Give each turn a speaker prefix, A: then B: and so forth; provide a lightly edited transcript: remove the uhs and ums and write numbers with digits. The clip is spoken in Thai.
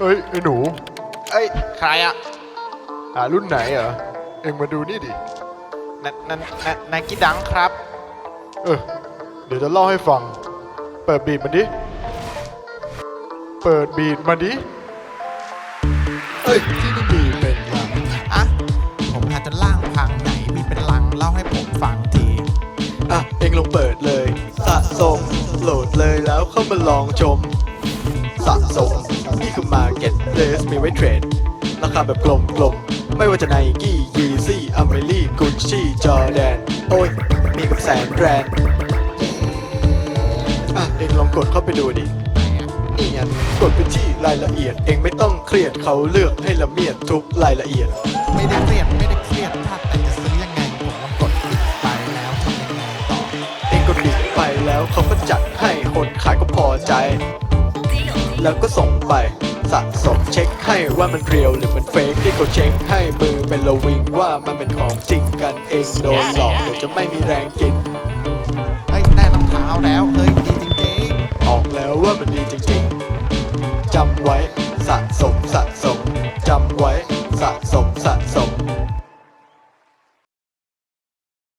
A: เอ้ยไอ้หนู
B: เอ้ยใครอะ
A: รุ่นไหนเหรอเอ็งมาดูนี่ดิ
B: นายกี้ดังครับ
A: เออเดี๋ยวจะเล่าให้ฟังเปิดบีทมันดิเปิดบีทมาดิเอ้ยที่นี่มีเป็นลัง
B: อะผมหาจนล่างพังไหนมีเป็นลังเล่าให้ผมฟังที
A: เอ็งลองเปิดเลยสะสมโหลดเลยแล้วเข้ามาลองชมสะสมนี่คือ Market Place มีไว้เทรดราคาแบบกลมๆไม่ว่าจะไนกี้ยีซี่อเมรี่กุชชี่จอแดนโอ้ยมีกับแสนแบรนด์เอ็งลองกดเข้าไปดูดินี่ไงกดไปที่รายละเอียดเอ็งไม่ต้องเครียดเขาเลือกให้ละเมียดทุกรายละเอียด
B: ไม่ได้เครียดถ้าแต่จะซื้อยังไงผมลองกดปิดไปแล้วทำยังไงต่อ
A: เอ็งกดบิดไปแล้วเขาก็จัดให้คนขายก็พอใจแล้วก็ส่งไปสะสมเช็คให้ว่ามันเรียวหรือมันเฟกที่เขาเช็คให้มือเป็นระวิงว่ามันเป็นของจริงกันเองโดนหลอกเดี๋ยวจะไม่มีแรงกิน
B: เฮ้ยได้รองเท้าแล้วเฮ้ยดีจริง
A: ๆออกแล้วว่ามันดีจริงๆจำไว้สะสมจำไว้สะสม